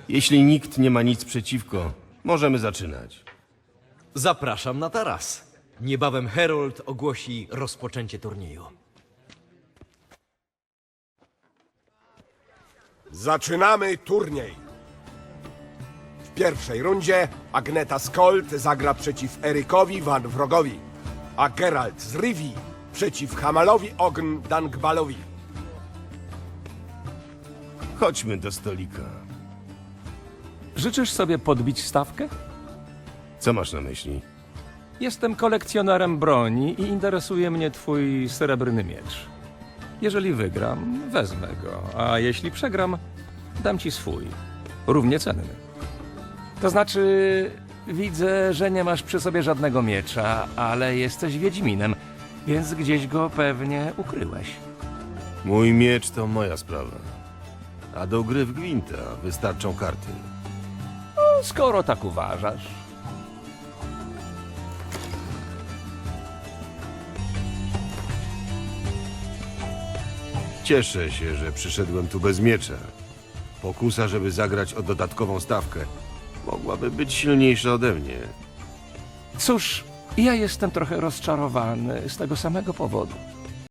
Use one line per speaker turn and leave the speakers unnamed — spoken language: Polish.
Jeśli nikt nie ma nic przeciwko, możemy zaczynać.
Zapraszam na taras. Niebawem Herold ogłosi rozpoczęcie turnieju.
Zaczynamy turniej. W pierwszej rundzie Agneta Skolt zagra przeciw Erykowi Van Wrogowi, a Geralt z Rivii przeciw Hamalowi Ogn Dangbalowi.
Chodźmy do stolika.
Życzysz sobie podbić stawkę?
Co masz na myśli?
Jestem kolekcjonerem broni i interesuje mnie twój srebrny miecz. Jeżeli wygram, wezmę go, a jeśli przegram, dam ci swój. Równie cenny. To znaczy, widzę, że nie masz przy sobie żadnego miecza, ale jesteś wiedźminem, więc gdzieś go pewnie ukryłeś.
Mój miecz to moja sprawa. A do gry w Gwinta wystarczą karty.
Skoro tak uważasz.
Cieszę się, że przyszedłem tu bez miecza. Pokusa, żeby zagrać o dodatkową stawkę, mogłaby być silniejsza ode mnie.
Cóż, ja jestem trochę rozczarowany z tego samego powodu.